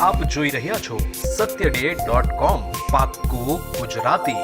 આપ જોઈ રહ્યા છો satyday.com પાક્કું ગુજરાતી।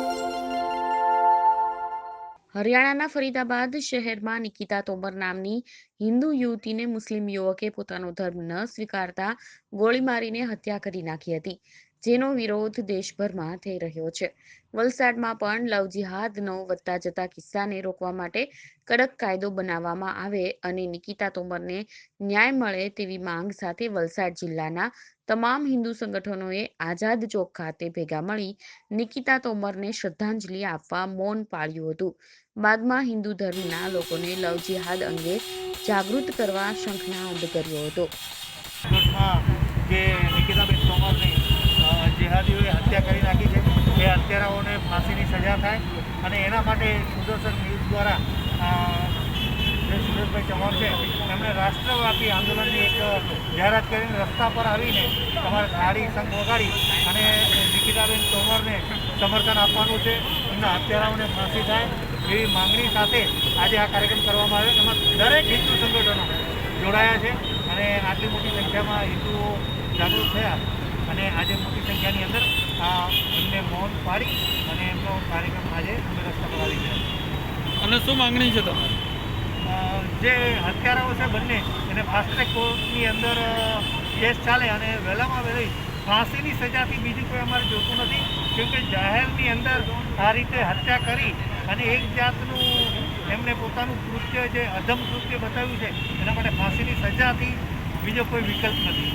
હરિયાણાના ફરીદાબાદ શહેરમાં નિકિતા તોમર નામની હિન્દુ યુવતીને મુસ્લિમ યુવકે પોતાનો ધર્મ ન સ્વીકારતા ગોળી મારીને હત્યા કરી નાખી હતી, જેનો વિરોધ દેશભરમાં થઈ રહ્યો છે। વલસાડમાં પણ લવ જિહાદનો વધતા જતા કિસ્સાને રોકવા માટે કડક કાયદો બનાવવામાં આવે અને નિકિતા તોમરને ન્યાય મળે તેવી માંગ સાથે વલસાડ જિલ્લાના તમામ હિન્દુ સંગઠનોએ આઝાદ ચોક ખાતે ભેગા મળી નિકિતા તોમરને શ્રદ્ધાંજલિ આપવા મૌન પાળ્યું હતું। બાદમાં હિન્દુ ધર્મના લોકોને લવ જિહાદ અંગે જાગૃત કરવા શંખનાદ કર્યો હતો। જે નિકિતાબેન તોમરની જેહાદીઓએ હત્યા કરી નાખી છે, એ હત્યારાઓને ફાંસીની સજા થાય અને એના માટે સુદર્શન ન્યૂઝ દ્વારા જે સુરેશભાઈ ચૌહાણ છે એમણે રાષ્ટ્રવ્યાપી આંદોલનની એક જાહેરાત કરીને રસ્તા પર આવીને તમારે થાળી સંઘ વગાડી અને નિકિતાબેન તોમરને સમર્થન આપવાનું છે, એમના હત્યારાઓને ફાંસી થાય એવી માંગણી સાથે આજે આ કાર્યક્રમ કરવામાં આવ્યો। એમાં દરેક હિન્દુ સંગઠનો જોડાયા છે અને આટલી મોટી સંખ્યામાં હિન્દુઓ જાગૃત થયા અને આજે મોટી સંખ્યાની અંદર એમને મૌન પાડી અને એમનો કાર્યક્રમ આજે અમે રસ્તા પર આવી ગયા। અને શું માંગણી છે તમારી? જે હત્યારાઓ છે બંને એને ફાસ્ટ ટ્રેક કોર્ટની અંદર કેસ ચાલે અને વહેલામાં વહેલી ફાંસીની સજાથી બીજું કોઈ અમારે જોતું નથી, કેમકે જાહેરની અંદર આ રીતે હત્યા કરી અને એક જાતનું એમને પોતાનું કૃત્ય જે અધમ કૃત્ય બતાવ્યું છે એના માટે ફાંસીની સજાથી બીજો કોઈ વિકલ્પ નથી।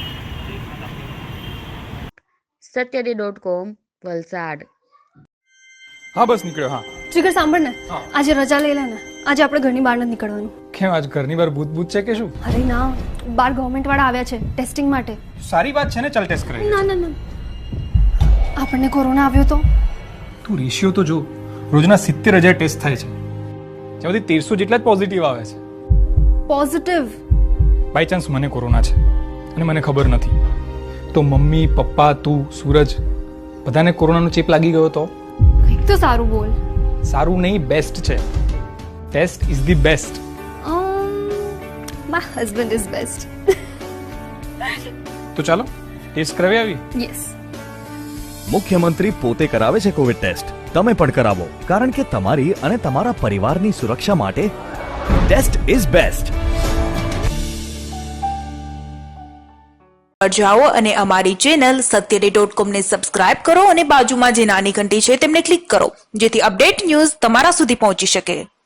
satyday.com વલસાડ। હા બસ નીકળ્યો। હા જીગર સાંભળ ને, આજે રજા લઈ લે ને, આજે આપણે ઘરની બહાર નથી નીકળવાનું। કેમ આજ ઘરની બહાર ભૂત ભૂત છે કે શું? અરે ના, બહાર ગવર્મેન્ટ વાળા આવ્યા છે ટેસ્ટિંગ માટે। સારી વાત છે ને, ચાલ ટેસ્ટ કરાવી। ના ના ના, આપણને કોરોના આવ્યો તો? તું રેશિયો તો જો, રોજના 70,000 ટેસ્ટ થાય છે, જેમાંથી 1300 જેટલા જ પોઝિટિવ આવે છે। પોઝિટિવ? બાય ચાન્સ મને કોરોના છે અને મને ખબર નથી તો મમ્મી પપ્પા તું સૂરજ બધાને કોરોનાનો ચેપ લાગી ગયો તો? કંઈક તો સારું બોલ। સારું નહીં, બેસ્ટ છે। Test is the best. My husband is best. તો ચાલો ટેસ્ટ કરાવી આવી। યસ। મુખ્યમંત્રી પોતે કરાવે છે કોવિડ ટેસ્ટ, તમે પણ કરાવો, કારણ કે તમારી અને તમારા પરિવારની સુરક્ષા માટે ટેસ્ટ ઇઝ બેસ્ટ। જાઓ અને અમારી ચેનલ satyday.com ને સબસ્ક્રાઇબ કરો અને બાજુમાં જે નાની ઘંટી છે તેમને ક્લિક કરો, જેથી અપડેટ ન્યૂઝ તમારા સુધી પહોંચી શકે।